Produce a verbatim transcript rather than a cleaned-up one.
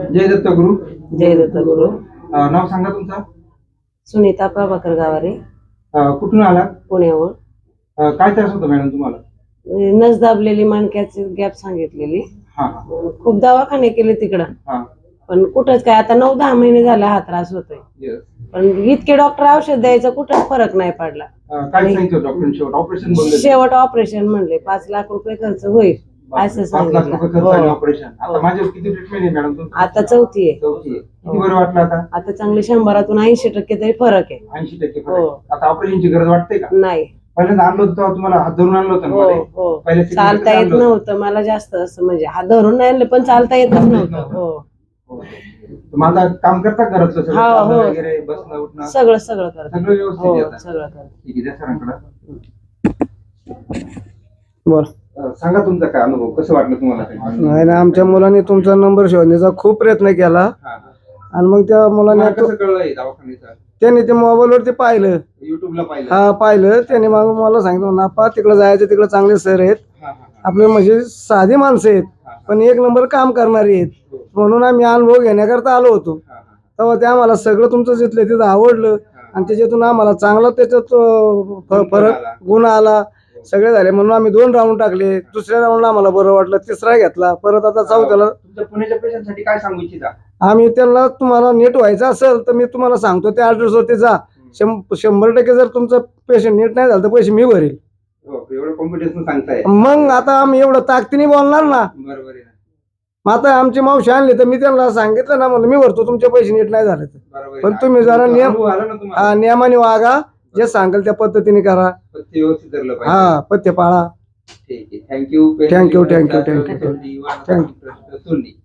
जय दत्त गुरु. जय दत्त गुरु. अं, नाव सांगा तुमचं. सुनीता प्रभाकर गावारे. अं, कुठून आलात. पुण्यावर. अं, काय त्रास होतो मॅडम तुम्हाला. नस दाबलेली, माणक्याची गॅप सांगितलेली. हा हा. खूप दवाखाने केले तिकडं, हा. पण कुठंच काय. आता नऊ दहा महिने झाले हा त्रास होतोय, Yes. पण इतके डॉक्टर औषध द्यायचं कुठं फरक नाही पडला. अं, काय सांगितलं डॉक्टर. शेवट ऑपरेशन बोलले. शेवट ऑपरेशन म्हणले पाच लाख रुपये खर्च होईल असं पाच लाख रुपये खर्च सांगितलं. आहे हो. ऑपरेशन. आता माझ्यावर किती ट्रीटमेंट आहे मॅडम तुमची. आता चौथी आहे. चौथी आहे. किती बरं वाटलं आता. आता चांगले शंभरातून ऐंशी टक्के तरी फरक आहे. ऐंशी टक्के हो. फरक. आता ऑपरेशनची गरज वाटते का. नाही. पहिल्यांदा आणलं होतं तेव्हा तुम्हाला हात धरून आणलं होतं ना हो मध्ये? हो. पहिल्या सीटमध्ये चालता कसं येत आणलं होतं? नव्हतं मला जास्त, असं म्हणजे हात धरून नाही आणलं पण चालता येतच नव्हतं. हो हो. माझा काम करता घरातलं सगळं, हो, चालणं हो. वगैरे, बसणं उठणं सगळं सगळं करत. सगळं व्यवस्थित हो आहे आता. सगळं करत. ठीक आहे, द्या सरांकडं. बोल. अं, सांगा तुमचा काय अनुभव, कसं वाटलं तुम्हाला. नाही ना, आमच्या मुलांनी तुमचा नंबर शोधण्याचा खूप प्रयत्न केला हा, हा. आणि मग त्या मुलांनी तुम्हाला कसं कळलं हे दवाखान्याचं. त्यांनी ते मोबाईलवरती पाहिलं. युट्यूबला पाहिलं. हा पाहिलं त्याने. मग मला सांगितलं नापा तिकडे जायचं, तिकडे चांगले सर आहेत, हा, हा, हा. आपले म्हणजे साधी माणसं आहेत पण एक नंबर काम करणारी आहेत, म्हणून आम्ही अनुभव घेण्याकरता आलो होतो. हा, हा. तेव्हा ते आम्हाला सगळं तुमचं जिथलं तिथं आवडलं आणि त्याच्यातून आम्हाला चांगला त्याच्यात अं, फ- फरक गुण आला. सगळे झाले म्हणून आम्ही दोन राऊंड टाकले. दुसऱ्या राऊंडला आम्हाला बरं वाटलं, तिसरा घेतला, परत आता चौथ्याला. तुमच्या पुण्याच्या पेशंटसाठी काय सांगू इच्छिता. आम्ही त्यांना तुम्हाला नीट व्हायचं असेल तर मी तुम्हाला सांगतो त्या ॲड्रेसवरती जा. शं- शंभर टक्के जर तुमचं पेशंट नीट नाही झालं तर पैसे मी भरेल. हो, एवढं कॉम्पिटिशन सांगताय. मग आता आम्ही एवढं ताकदीने बोलणार ना. बरोबर आहे ना. मग आता आमची मावशी आणली तर मी त्यांना सांगितलं ना, म्हणलं मी भरतो तुमचे पैसे नीट नाही झाले तर. बरोबर आहे पण ना. तुम्ही जरा तुमचा नियम- अनुभव आला ना तुम्हाला. हा, नियमाने वागा, जे सांगेल त्या पद्धतीने करा. पथ्य व्यवस्थित धरलं पाहिजे. हा, पथ्य पाळा. ठीक आहे. Thank you. Thank you, thank you, thank you. Thank you.